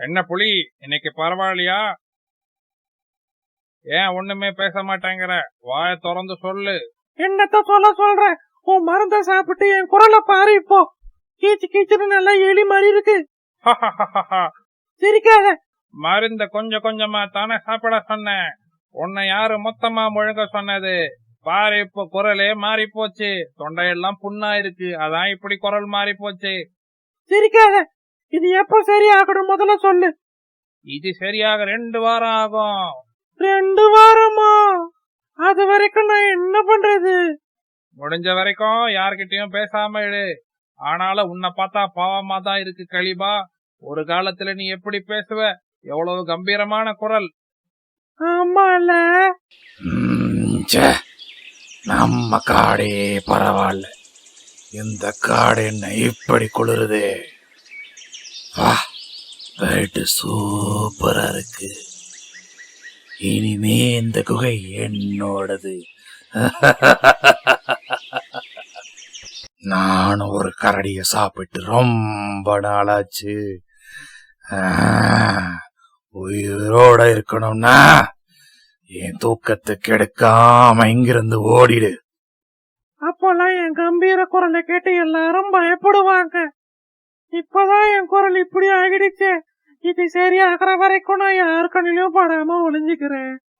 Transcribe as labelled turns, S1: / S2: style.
S1: என்ன புலி, இன்னைக்கு பரவாயில்லையா? ஏன் ஒண்ணுமே பேச மாட்டேங்கிற? வாய திறந்து சொல்லு.
S2: என்னத்த சொல்ற? உன் மருந்த சாப்பிட்டு என் குரலை பாரு. இப்போ கீச்சு கீச்சுன்னு நல்லா எலி மாதிரி இருக்கு. சிரிக்காத.
S1: மருந்த கொஞ்சம் கொஞ்சமா தானே சாப்பிட சொன்னேன். உன்னை யாரு மொத்தமா முழுங்க சொன்னது? பாரு, இப்ப குரலே மாறி போச்சு. தொண்டையெல்லாம் புண்ணா இருக்கு, அதான் இப்படி குரல் மாறி போச்சு.
S2: சிரிக்காத. இது எப்ப சரியாகணும் முதல்ல சொல்லு.
S1: இது சரியாக 2 வாரம் ஆகும்.
S2: 2 வாரமா? அது வரைக்கும் நான் என்ன பண்றது?
S1: முடிஞ்ச வரைக்கும் யார்கிட்டயும் பேசாம இரு. ஆனாலும் உன்னை பார்த்தா பாவமா தான் இருக்கு கலிபா. ஒரு காலத்துல நீ எப்படி பேசுவ? எவ்வளவு கம்பீரமான குரல்.
S2: ஆமால.
S3: நம்ம காடே பரவாயில்ல, இந்த காடு என்ன இப்படி குளிருது. சூப்பரா இருக்கு. இனிமே இந்த குகை என்னோடது. நான் ஒரு கரடிய சாப்பிட்டு ரொம்ப நாளாச்சு. உயிரோட இருக்கணும்னா என் தூக்கத்தை கெடுக்காம இங்கிருந்து ஓடிடு.
S2: அப்போல்லாம் என் கம்பீர குரலை கேட்டு எல்லாரும் பயப்படுவாங்க. இப்பதான் என் குரல் இப்படி ஆகிடுச்சு. இது சரியாகிற வரைக்கும் நான் யாரு கண்ணிலும் படாம ஒளிஞ்சுக்கிறேன்.